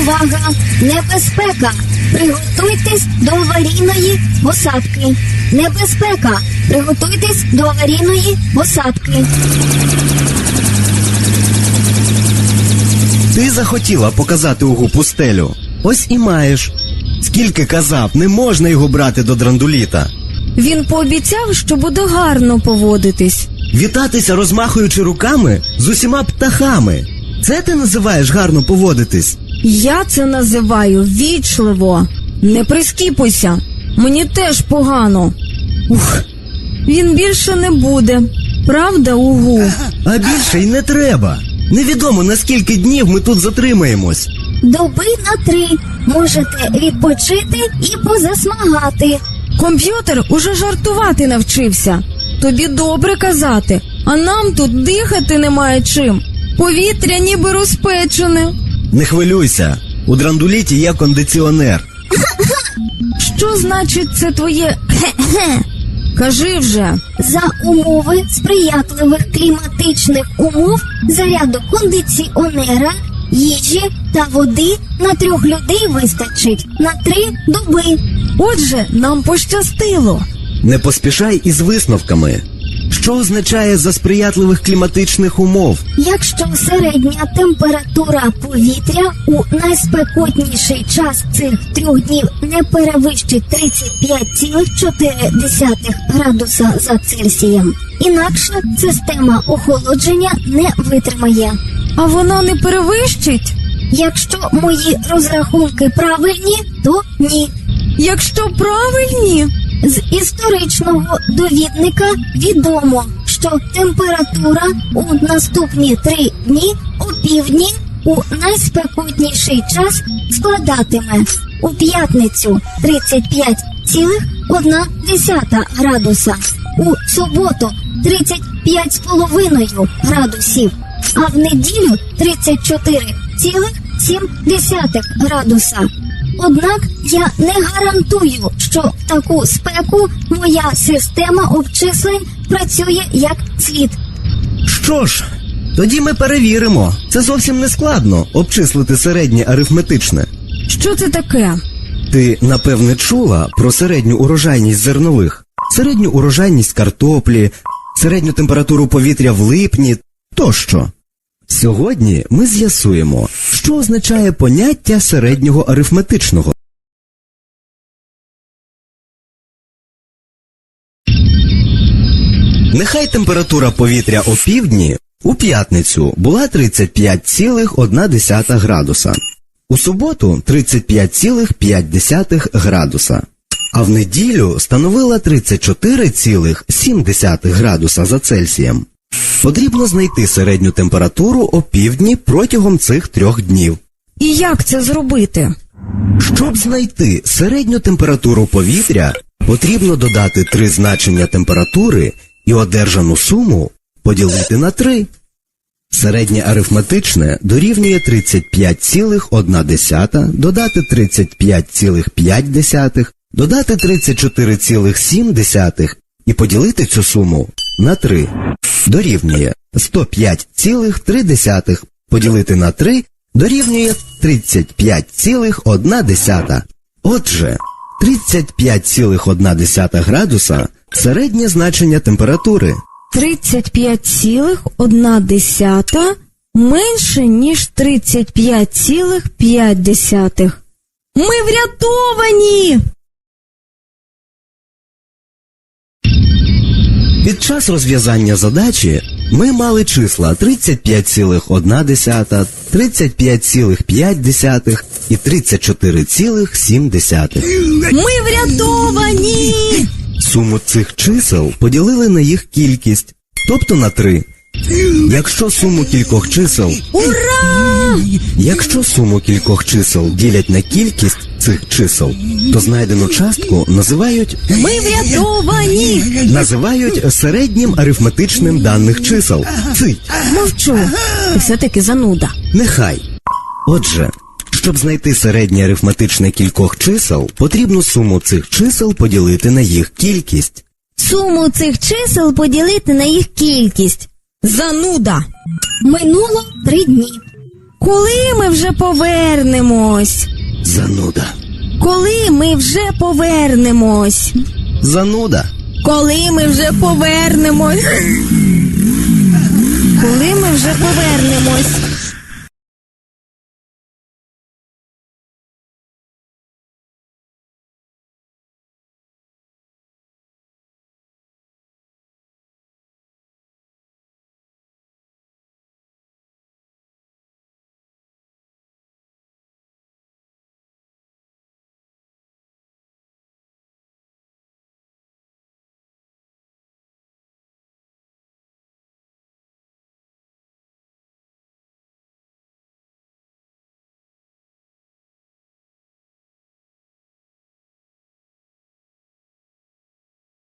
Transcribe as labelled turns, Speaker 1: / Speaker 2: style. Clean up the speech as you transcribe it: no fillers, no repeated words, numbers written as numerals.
Speaker 1: Увага! Небезпека! Приготуйтесь до аварійної посадки. Небезпека! Приготуйтесь до аварійної посадки.
Speaker 2: Ти захотіла показати Угу пустелю. Ось і маєш. Скільки казав, не можна його брати до драндуліта.
Speaker 3: Він пообіцяв, що буде гарно поводитись.
Speaker 2: Вітатися, розмахуючи руками, з усіма птахами. Це ти називаєш гарно поводитись?
Speaker 3: Я це називаю ввічливо. Не прискіпуйся. Мені теж погано. Він більше не буде. Правда, Угу?
Speaker 2: А більше й не треба. Невідомо, на скільки днів ми тут затримаємось.
Speaker 1: Доби на 3. Можете відпочити і позасмагати.
Speaker 3: Комп'ютер уже жартувати навчився. Тобі добре казати, а нам тут дихати немає чим. Повітря ніби розпечене.
Speaker 2: Не хвилюйся, у драндуліті є кондиціонер.
Speaker 3: Що значить це твоє «хе-хе»? Кажи вже.
Speaker 1: За умови сприятливих кліматичних умов заряду кондиціонера, їжі та води на 3 людей вистачить на 3 доби.
Speaker 3: Отже, нам пощастило.
Speaker 2: Не поспішай із висновками. Що означає «за сприятливих кліматичних умов»?
Speaker 1: Якщо середня температура повітря у найспекотніший час цих 3 днів не перевищить 35,4 градуса за Цельсієм, інакше система охолодження не витримає.
Speaker 3: А вона не перевищить?
Speaker 1: Якщо мої розрахунки правильні, то ні.
Speaker 3: Якщо правильні?
Speaker 1: З історичного довідника відомо, що температура у наступні 3 дні опівдні у найспекотніший час складатиме у п'ятницю 35,1 градуса, у суботу 35,5 градусів, а в неділю 34,7 градуса. Однак я не гарантую, що в таку спеку моя система обчислень працює як слід.
Speaker 2: Що ж, тоді ми перевіримо. Це зовсім не складно – обчислити середнє арифметичне.
Speaker 3: Що це таке?
Speaker 2: Ти, напевне, чула про середню урожайність зернових, середню урожайність картоплі, середню температуру повітря в липні тощо. Сьогодні ми з'ясуємо, що означає поняття середнього арифметичного. Нехай температура повітря опівдні у п'ятницю була 35,1 градуса, у суботу 35,5 градуса, а в неділю становила 34,7 градуса за Цельсієм. Потрібно знайти середню температуру опівдні протягом цих 3 днів.
Speaker 3: І як це зробити?
Speaker 2: Щоб знайти середню температуру повітря, потрібно додати 3 значення температури і одержану суму поділити на 3. Середнє арифметичне дорівнює 35,1, додати 35,5, додати 34,7 і поділити цю суму на 3. Дорівнює 105,3, поділити на 3 дорівнює 35,1. Отже, 35,1 градуса – середнє значення температури.
Speaker 3: 35,1 менше, ніж 35,5. Ми врятовані!
Speaker 2: Під час розв'язання задачі ми мали числа 35,1, 35,5 і 34,7.
Speaker 3: Ми врятовані!
Speaker 2: Суму цих чисел поділили на їх кількість, тобто на 3. Якщо суму кількох чисел ділять на кількість цих чисел, то знайдену частку називають
Speaker 3: Ми врятовані!
Speaker 2: Називають середнім арифметичним даних чисел. Цить.
Speaker 3: Мовчу. Ти все-таки зануда.
Speaker 2: Нехай. Отже, щоб знайти середнє арифметичне кількох чисел, потрібно суму цих чисел поділити на їх кількість.
Speaker 3: Суму цих чисел поділити на їх кількість. Зануда!
Speaker 1: Минуло 3 дні.
Speaker 3: Коли ми вже повернемось?
Speaker 2: Зануда.
Speaker 3: Коли ми вже повернемось?
Speaker 2: Зануда.
Speaker 3: Коли ми вже повернемось? Коли ми вже повернемось?